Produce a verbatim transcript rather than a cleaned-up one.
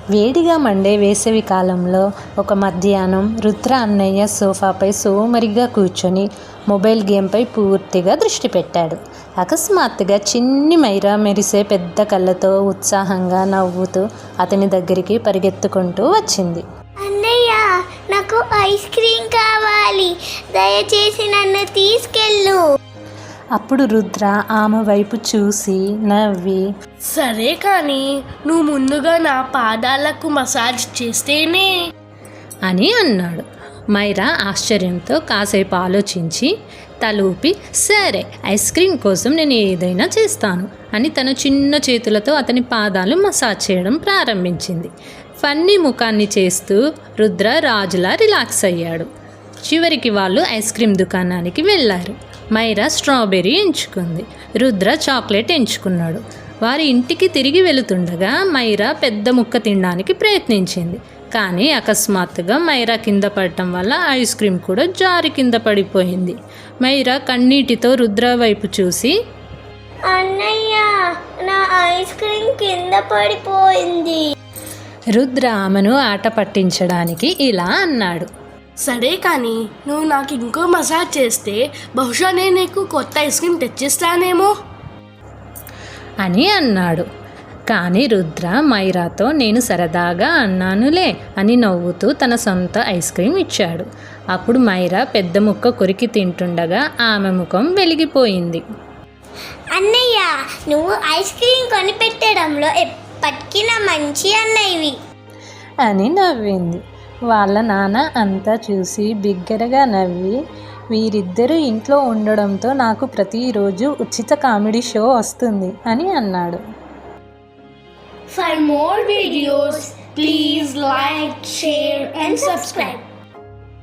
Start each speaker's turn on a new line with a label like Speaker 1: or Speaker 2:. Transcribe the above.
Speaker 1: వేడిగా మండే వేసవి కాలంలో ఒక మధ్యాహ్నం రుద్ర అన్నయ్య సోఫాపై సోమరిగా కూర్చొని మొబైల్ గేమ్పై పూర్తిగా దృష్టి పెట్టాడు. అకస్మాత్తుగా చిన్ని మైరా మెరిసే పెద్ద కళ్ళతో ఉత్సాహంగా నవ్వుతూ అతని దగ్గరికి పరిగెత్తుకుంటూ వచ్చింది.
Speaker 2: అన్నయ్య, నాకు ఐస్ క్రీమ్ కావాలి, దయచేసి నన్ను తీసుకెళ్ళు.
Speaker 1: అప్పుడు రుద్ర ఆమె వైపు చూసి నవ్వి,
Speaker 3: సరే కానీ నువ్వు ముందుగా నా పాదాలకు మసాజ్ చేస్తేనే
Speaker 1: అని అన్నాడు. మైరా ఆశ్చర్యంతో కాసేపు ఆలోచించి తలూపి, సరే, ఐస్ క్రీమ్ కోసం నేను ఏదైనా చేస్తాను అని తన చిన్న చేతులతో అతని పాదాలు మసాజ్ చేయడం ప్రారంభించింది. ఫన్నీ ముఖాన్ని చేస్తూ రుద్ర రాజులా రిలాక్స్ అయ్యాడు. చివరికి వాళ్ళు ఐస్ క్రీమ్ దుకాణానికి వెళ్ళారు. మైరా స్ట్రాబెర్రీ ఎంచుకుంది, రుద్ర చాక్లెట్ ఎంచుకున్నాడు. వారి ఇంటికి తిరిగి వెళుతుండగా మైరా పెద్ద ముక్క తినడానికి ప్రయత్నించింది. కానీ అకస్మాత్తుగా మైరా కింద పడటం వల్ల ఐస్ క్రీమ్ కూడా జారి కింద పడిపోయింది. మైరా కన్నీటితో రుద్ర వైపు చూసి,
Speaker 2: అన్నయ్య, నా ఐస్ క్రీమ్ కింద పడిపోయింది.
Speaker 1: రుద్ర ఆమెను ఆట పట్టించడానికి ఇలా అన్నాడు,
Speaker 3: సరే కానీ నువ్వు నాకు ఇంకో మసాజ్ చేస్తే బహుశా నేను నీకు కొత్త ఐస్ క్రీమ్ తెచ్చిస్తానేమో
Speaker 1: అని అన్నాడు. కానీ రుద్ర మైరాతో నేను సరదాగా అన్నానులే అని నవ్వుతూ తన సొంత ఐస్ క్రీమ్ ఇచ్చాడు. అప్పుడు మైరా పెద్ద ముక్క కొరికి తింటుండగా ఆమె ముఖం వెలిగిపోయింది.
Speaker 2: అన్నయ్య, నువ్వు ఐస్ క్రీమ్ కొనిపెట్టడంలో ఎప్పటికీ నా మంచి అన్నయ్యవి
Speaker 1: అని నవ్వింది. వాళ్ళ నాన్న అంతా చూసి బిగ్గరగా నవ్వి, వీరిద్దరూ ఇంట్లో ఉండడంతో నాకు ప్రతిరోజు ఉచిత కామెడీ షో వస్తుంది అని అన్నాడు.
Speaker 3: For more videos, please like, share and subscribe.